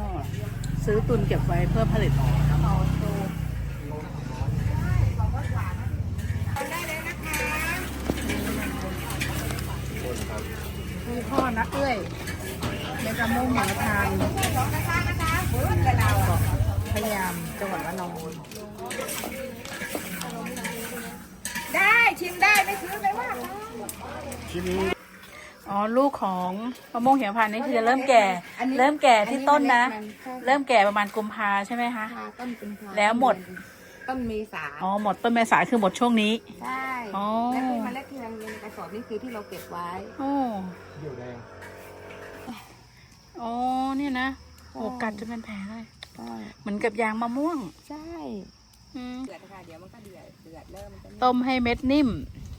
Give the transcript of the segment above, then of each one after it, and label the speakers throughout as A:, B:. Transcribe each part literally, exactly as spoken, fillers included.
A: ซื้อตุนเก็บไว้เพื่อผลิตมีพ่อนักเอ้ยในกระมุ่งหมูทานพยายามจังหวัดระนอง
B: ได้ชิมได้ไม่ซื้อไม่ว่า
A: ชิมอ๋อลูกของมะม่วงเหี่ยวพันธุ์นี่คือจะเริ่มแก่เริ่มแก่ที่ต้นนะเริ่มแก่ประมาณกุมภาใช่ไหมคะ
B: ต้นกุมภา
A: แล้วหมด
B: ต้นเมษา
A: อ๋อหมดต้นเมษาคือหมดช่วงนี้
B: ใช่และที่เมล็ดที่เราในกระสอบนี่คือที่เราเก็บไว้
A: โอ้เหี่ยวแดงอ๋อเนี่ยนะโอ้กัดจะเป็นแผลเลยเหมือนกับยางมะม่วง
B: ใช่เดือดค่ะเดี๋ยวมันก็เดือดเดือดเริ่ม
A: ต้มให้เม็ดนิ่ม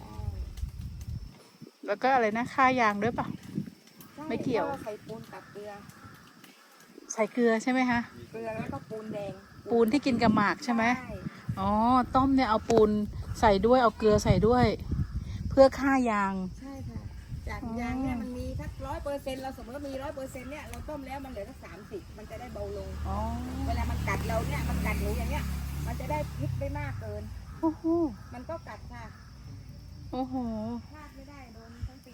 A: แล้วก็อะไรนะค่ายางด้วยป่ะไม่เกี่ยว
B: ใส่ปูนกับเกลือ
A: ใส่เกลือใช่ไหมคะ
B: เกลือแล้วก็ปูนแดง
A: ปูนที่กินกับหมากใช่ไหมอ๋อต้มเนี่ยเอาปูนใส่ด้วยเอาเกลือใส่ด้วยเพื่อฆ่ายาง
B: ใช่ค่ะจากยางเนี่ยมันมีสักร้อยเปอร์เซ็นต์เราสมมติว่ามีร้อยเปอร์เซ็นต์เนี่ยเราต้มแล้วมันเหลือสักสามสิบมันจะได้เบาลงเวลามันกัดเราเนี่ยมันกัดหนูอย่างเงี้ยมันจะได้พิษไม่มากเกิน
A: โอ้โห
B: มันก็กัดค่ะ
A: โอ้โห
B: พลาดไม่ได้โดนทั้งปี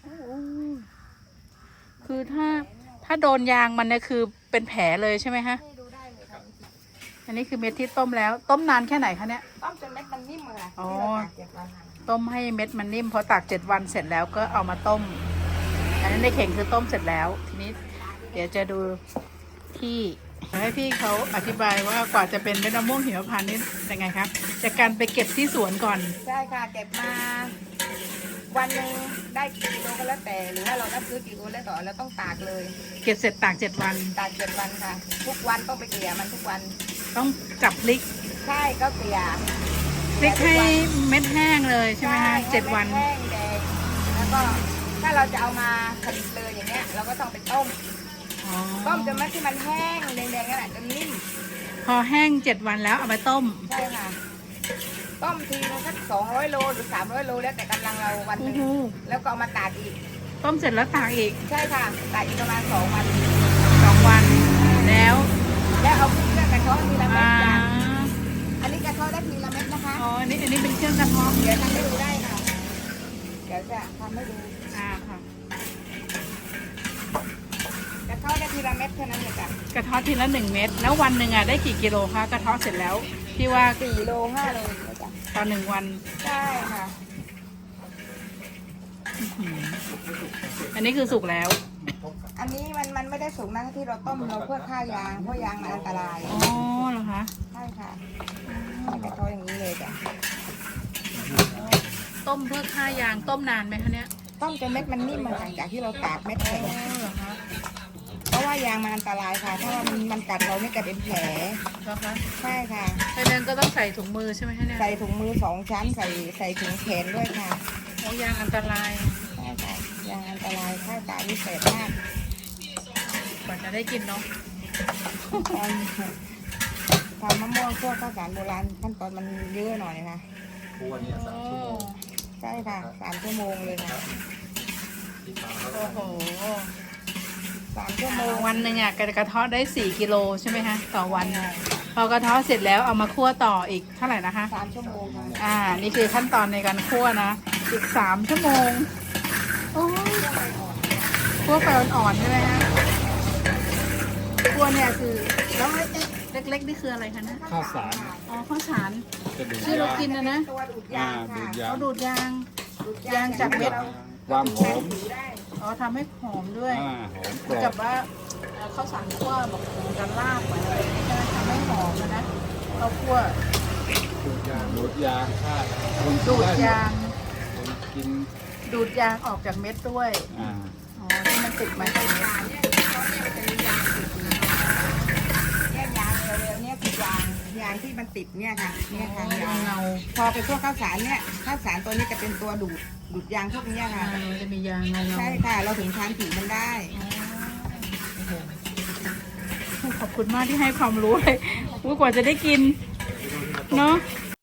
A: คือถ้าถ้าโดนยางมันเนี่ยคือเป็นแผลเลยใช่ไหมฮะ
B: ดูได้เลยค่ะ
A: อันนี้คือเม็ดที่ต้มแล้วต้มนานแค่ไหนคะเนี่ย
B: ต้มจนเม็ดมันนิ่มเลย
A: อ๋อต้มให้เม็ดมันนิ่มพอตากเจ็ดวันเสร็จแล้วก็เอามาต้มอันนั้นในเข่งคือต้มเสร็จแล้วทีนี้เดี๋ยวจะดูที่ให้พี่เขาอธิบายว่ากว่าจะเป็นเม็ดมะม่วงหิมพานต์นี่ยังไงครับจากการไปเก็บที่สวนก่อน
B: ใช่ค่ะเก็บมาวันหนึ่งได้กี่กิโลก็แล้วแต่หรือว่าเราได้ซื้อกี่กิโลแล้วต่อเราต้องตากเลย
A: เก็บเสร็จตากเจ็ดวัน
B: ตากเจ็ดวันค่ะทุกวันต้องไปเกลี่ยมันทุกวัน
A: ต้องจับพลิก
B: ใช่ก็เกลี่ย
A: พลิกให้เม็ดแห้งเลยใช่ไหมคะเจ็ดวัน
B: แห้งแดงแล้วก็ถ้าเราจะเอามาผลิตเลยอย่างเงี้ยเราก็ต้องไปต้มต้มจนเม็ดที่มันแห้งแดงๆนั่นแหละจนนิ่ม
A: พอแห้งเจ็ดวันแล้วเอาไปต้ม
B: ใช่ค่ะต้มทีนึงสักสองร้อยโลหรือสามร้อยโลแล้วแต่กำลังเราวันนึงแล้วก็เอามาตากอีก
A: ต้มเสร็จแล้วตากอีก
B: ใช่ค่ะตากอีกประมาณสองวัน
A: สองวันแล้ว
B: แล้วเอาเครื่องกระเทาะทีละเม็ดจ้ะอันนี้กระเทาะได้ทีละเม็ดนะคะ
A: อ๋ออันนี้อันนี้เป็นเครื่องกระเทาะ
B: เดี๋ยวทำให้ดูได้ค่ะเดี๋ยวจะทำให้ดู
A: อ่าค่ะ
B: กระเทาะได้ทีละเม็ดเท่านั้นเลยจ้ะ
A: กระเทาะทีละหนึ่งเม็ดแล้ววันหนึ่งอ่ะได้กี่กิโลคะกระเทาะเสร็จแล้วที่ว่า
B: สี่โลห้าโลจ้ะ
A: ตอนหนึ่งวัน
B: ใช่ค่ะ
A: อันนี้คือสุกแล้ว
B: อันนี้มันมันไม่ได้สุกนะที่เราต้มเราเพื่อฆ่ายางเพราะยางมันอันตราย
A: อ๋อเหรอคะ
B: ใช่ค่ะกระเทาะอย่างนี้เลยจ้ะ
A: ต้มเพื่อฆ่ายางต้มนานไหมคะเนี่ย
B: ต้มจนเม็ดมันนิ่มหลังจากที่เราตากเม็ดแข็งเพราะว่ายางมันอันตรายค่ะถ้ามันมันกัดเราไม่กัดเป็นแผลใช่ค่ะ
A: เพราะนั้นก็ต้องใส่ถุงมือใช่ไหมคะเนี่ย
B: ใส่ถุงมือสองชั้นใส่ใส่ถุงแขนด้วยค่ะ
A: เพราะยางอันตราย
B: ใช่ค่ะยางอันตรายค่าตาวิเศษมาก
A: กว่าจะได้กินเนาะ
B: ทำมะม่วงพวกข้าวสารโบราณขั้นตอนมันเยอะหน่อยนะ
C: พวกนี้สามชั่วโมง
B: ใช่ค่ะสามชั่วโมงเลยค่ะ
A: โอ้โห
B: สามชั่วโมง
A: วันหนึ่งอ่ะกระเทาะได้สี่กิโลใช่ไหมคะต่อวันพอกระเทาะเสร็จแล้วเอามาคั่วต่ออีกเท่าไหร่นะคะ
B: สามชั่วโมงค่ะ
A: อ่านี่คือขั้นตอนในการคั่วนะอีกสามชั่วโมงโอ้คั่วไฟอ่อนๆใช่ไหมคะคั่วเนี่ยคือแล้วเล็กๆนี่คืออะไรคะนะ
C: ข้าวสาร
A: อ๋อข้าวสารที่เรากินนะนะ
B: ตัวดูดยาง
A: เขาดูดยางยางจากเม็ด
C: ความหอม
A: อ๋อทำให้หอมด้วยเหมือนกับว่าข้าวสารคั่วแบบกันลาบอะไรนี่ก็ทำให้หอมนะข้าวคั่ว
C: ดูดยางดูดยางค่ะ
A: ดูดยาง
C: กิน
A: ดูดยางออกจากเม็ดด้วยอ๋อที่มันติดมาจากเม็ด
B: เนี่ยเขาเนี่ยมันจะมียางติดเนี่ยยางเร็วๆเนี่ยคือยางยางที่มันติดเนี่ยค่ะเนี่ยค่ะยางเงาพอไปคั่วข้าวสารเนี่ยข้าวสารตัวนี้จะเป็นตัวดูดดูดยางพวกนี้ค่ะ
A: จะมียางเงา
B: ใช่ค่ะเราถึงทานผิวมันได้
A: ขอบคุณมากที่ให้ความรู้เลยว่ากว่าจะได้กินเนาะ